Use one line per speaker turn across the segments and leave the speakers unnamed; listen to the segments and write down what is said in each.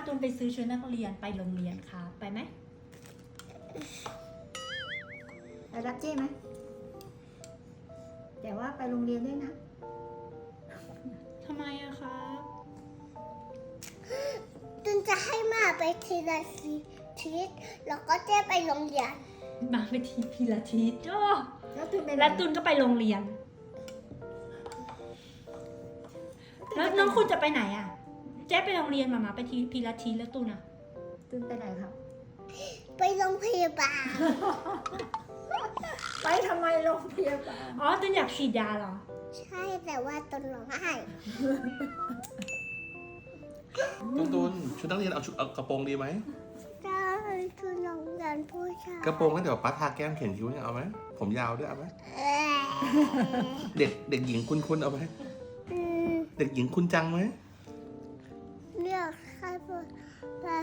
ตูนไปซื้อชุดนักเรียนไปโรงเรียนครับไปไหมไปรับเจ้ไหมแต่ว่าไปโรงเรียนด้วยนะทำไมอะครับ
ตุนจะให้มาไปทีละทิศแล้วก็เจ๊ไปโรงเรียน
มาไปทีพิลาทิสจ้าแล้วตูนก็ไปโรงเรียนแล้วน้องคุณจะไปไหนอะเจ๊ไปโรงเรียนมาไปทีพิลาทิสแล้วตูนอะตูนไปไหนครับ
ไปโรงพยาบาล
ไปทำไมโรงพยาบาลอ๋อตูนอยากฉีดยาเหรอ
ใช่แต่ว่าตุนร้องไห้
ตุนชุดนักเรียนเอากระโปรงดีไหม
ได้ตุนโรงเรียนผู้ชาย
กระโปรงแล้วเดี๋ยวป้าทาแก้มเขียนคิ้วเนี่ยเอาไหมผมยาวด้วยเอาไหมเด็กหญิงคุณเอาไหมเด็กหญิงคุณจังไหม
เลือกใครพูดแล้ว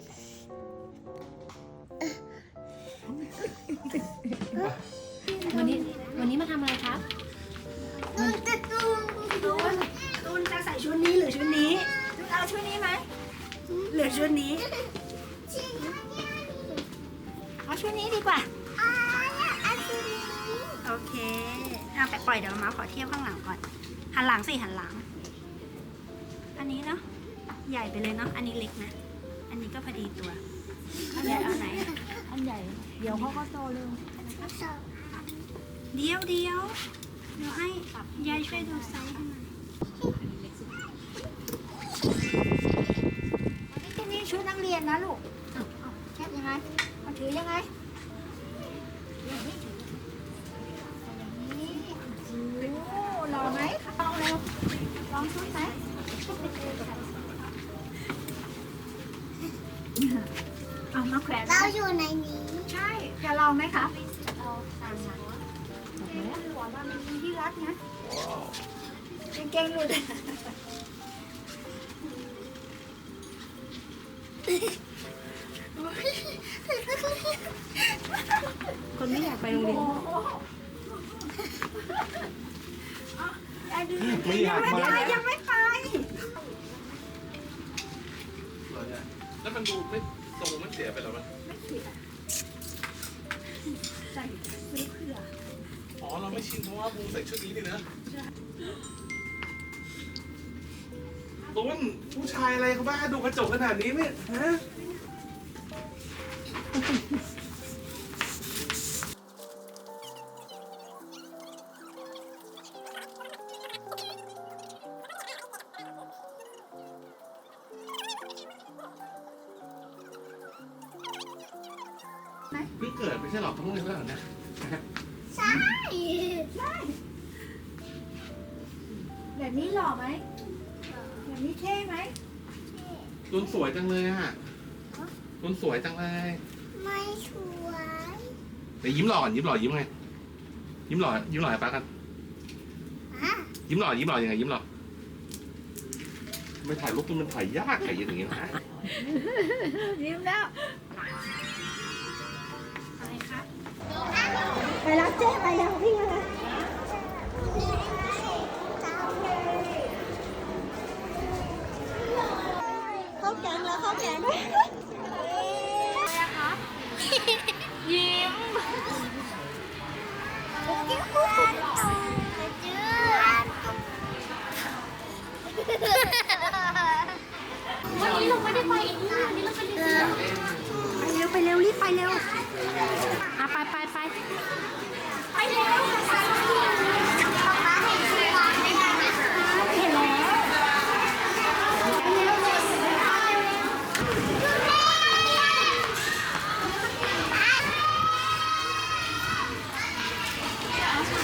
วันนี้มาทำอะไรครับ
ตุนจะตุน
ตูนจะใส่ชุดนี้หรือชุดนี้ตูนเอาชุดนี้ไหมหรือชุดนี้เอาชุดนี้ดีกว่าโอเคเอาไปปล่อยเดี๋ยวมาขอเทียบข้างหลังก่อนหันหลังสิหันหลังอันนี้เนาะใหญ่ไปเลยเนาะอันนี้เล็กนะอันนี้ก็พอดีตัวใหญ่เอาไหน
อันใหญ่ เดี๋ยวเขาก็โตเร็ว
เดี๋ยวให้ยายช่วยดูไซส์ให้หน่อยนี่ชุดนักเรียนนะลูกเอาแคบยังไงเอาถือยังไงอย่างนี้โอ้รอไหมลองเร็วลองชุดไหมเอามาแขวน
เราอยู่ในนี้
ใช่จะลองไหมคะเอาตามนั้นหวังว่ามันมีที่รัดนะเก่งๆหลุดคนไม่อยากไปโรงเรียน
ไม่อยากมา
ยังไม่ไป
แล้วมันดูไม่ทรงไม่เสียไปแล้วมั้ย
ใส่ซื้อเผื่อ
อ๋อเราไม่ชินเพราะว่าบูใส่ชุดนี้นี่นะตุนผู้ชายอะไรเขาบ้าดูกระจกขนาดนี้เนี่ยฮะเพิ่งเกิดไม่ใช่หรอต้องเรียนแล้วเหรอเนี่ย
ใช่
แบบนี้หล่อไหมแบบนี้เท่ไหม
ตุนสวยจังเลยอ่ะตุนสวยจังเลย
ไม่สวย
เดี๋ยวยิ้มหล่อยิ้มไงยิ้มหล่อให้ป้ากัน
อ่ะ
ยิ้มหล่อยังไงยิ้มหล่อไม่ถ่ายรูปตุนมันถ่ายยากถ่ายอย่างนี้นะ
ยิ้มแล้วอะไรครับไปรับเจ๊ไปยังพี่อะไรเข้าแกงแล้วเข้าแกงยิ้ม
วันนี้เราไม่ได้ไปอีกนี่วันนี้เราไปเรียน
ไปเร็วรีบไปเร็ว